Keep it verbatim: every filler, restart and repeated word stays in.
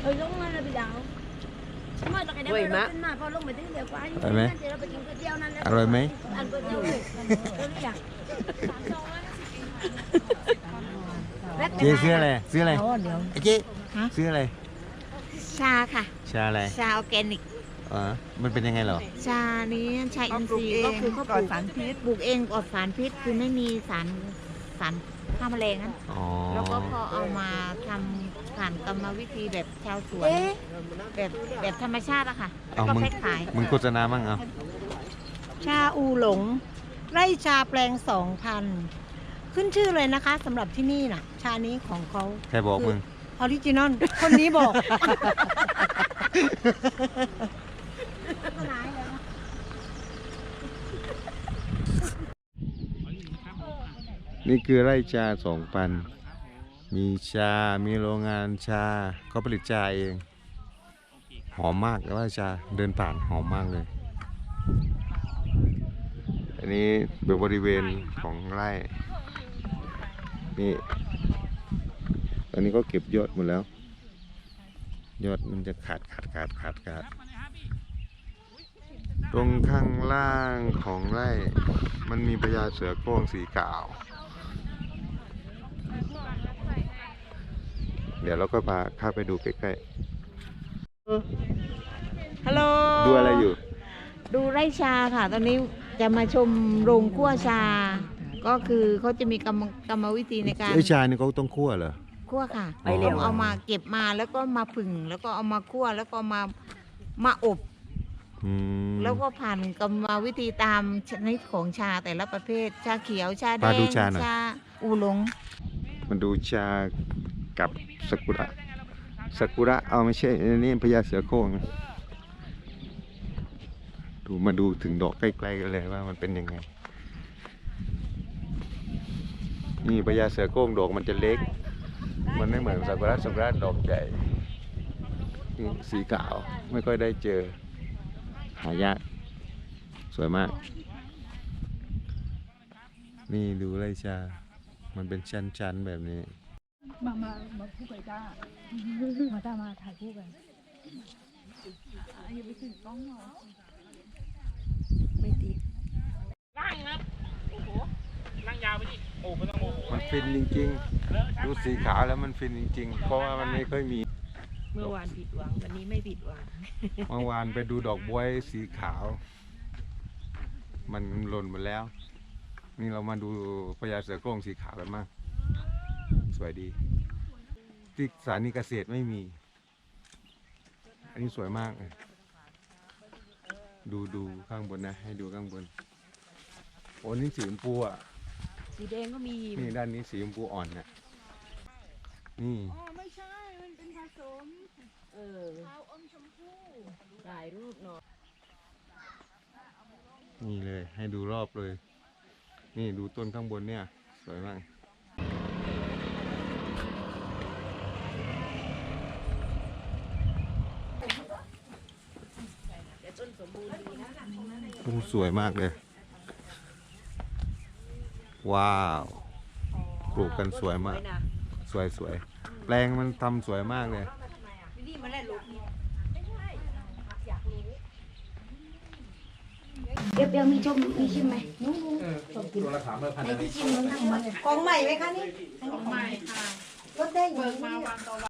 Ừ đúng là bị đau. Mà cái đấy Quỳ má. mà phao lúc mình tính đều quá. Rồi mấy? Rồi mấy? Ăn có tiêu rồi. Tôi đi à. Chịซื้ออะไรซื้ออะไรไอ้เจ๊ฮะซื้ออะไรชาค่ะชาอะไรชาออร์แกนิกอ๋อมันเป็นยังไงเหรอชานี้ชาอินทรีย์ก็คือเขาปลูกสารพิษปลูกเองปลอดสารพิษคือไม่มีสารสารฆ่าแมลงนั้นอ๋อแล้วก็พอเอามาทำผ่านกรรมวิธีแบบชาวสวนแบบแบบธรรมชาติอะค่ะแล้วเอาก็มึงแพ็คขายมึงโฆษณามั่งเอาชาอูหลง ไร่ชาแปลงสองพันขึ้นชื่อเลยนะคะสำหรับที่นี่น่ะ ชานี้ของเขาใครบอกมึงออริจินอลคนนี้บอกนี่คือไร่ชาสองพันมีชา มีโรงงานชาเขาผลิตชาเอง หอมมากแต่ว่าชาเดินผ่านหอมมากเลย อันนี้เป็นบริเวณของไร่ นี่ ตอนนี้ก็เก็บยอดหมดแล้ว ยอดมันจะขาดขาดขาดขาดขาดตรงข้างล่างของไร่ มันมีพญาเสือโคร่งสีขาว เดี๋ยวเราก็พาเข้าไปดูใกล้ฮัลโหลๆ ดูอะไรอยู่ดูไร่ชาค่ะ ตอนนี้จะมาชมโรงคั่วชา ก็คือเขาจะมีกรรมกรรมวิธีในการไอ้ชานี่เขาต้องคั่วเหรอคั่วค่ะไปเร็วต้องเอามาเก็บมาแล้วก็มาผึ่งแล้วก็เอามาคั่วแล้วก็มามาอบอืมแล้วก็ผ่านกรรมวิธีตามชนิดของชาแต่ละประเภท ชาเขียวชาแดมาง ดูชาหน่อยอูหลงมันดูชากับซากุระซากุระเอาไม่ใช่อันนี่พญาเสือโคร่งดูมาดูถึงดอกใกล้ๆกันเลยว่ามันเป็นยังไง นี่พญาเสือโคร่งดอกมันจะเล็ก มันไม่เหมือนซากุระซากุระดอกใหญ่นี่สีขาวไม่ค่อยได้เจอ หายากสวยมาก นี่ดูไรชา มันเป็นชั้นๆแบบนี้มามามาคู่กันจ้ามาจ้ามาถ่ายคู่กันอย่าไปถึงกล้องหรอไม่ติดนั่งนะโอ้โหนั่งยาวไปดิโอ้ไม่ต้องโมโหมันฟินจริงๆ ดูสีขาวแล้วมันฟินจริงๆ เพราะว่ามันไม่ค่อยมีเมื่อวานผิดหวังวันนี้ไม่ผิดหวังเมื่อวานไปดูดอกบ๊วยสีขาว มันหล่นหมดแล้ว นี่เรามาดูพญาเสือโคร่งสีขาวกันมากสวยดี ที่สถานีเกษตรไม่มี อันนี้สวยมากเลยดูดูข้างบนนะ ให้ดูข้างบน โอ้นี่สีชมพูอ่ะสีแดงก็มีนี่ด้านนี้สีชมพูอ่อนนะนี่อ๋อไม่ใช่มันเป็นผสมเออขาวอมชมพูถ่ายรูปหน่อยนี่เลยให้ดูรอบเลย นี่ดูต้นข้างบนเนี่ย สวยมากโอ้สวยมากเลย ว้าวปลูกกันสวยมาก สวยสวยแปลงมันทำสวยมากเลยเดี๋ยวเดี๋ยวมีชมมีชิมไหมนู้นตัวละสามร้อยพันในที่ชิมมันทำมันของใหม่ไหมคะนี่ของใหม่ค่ะลดได้อยู่เบิกมาวันต่อวัน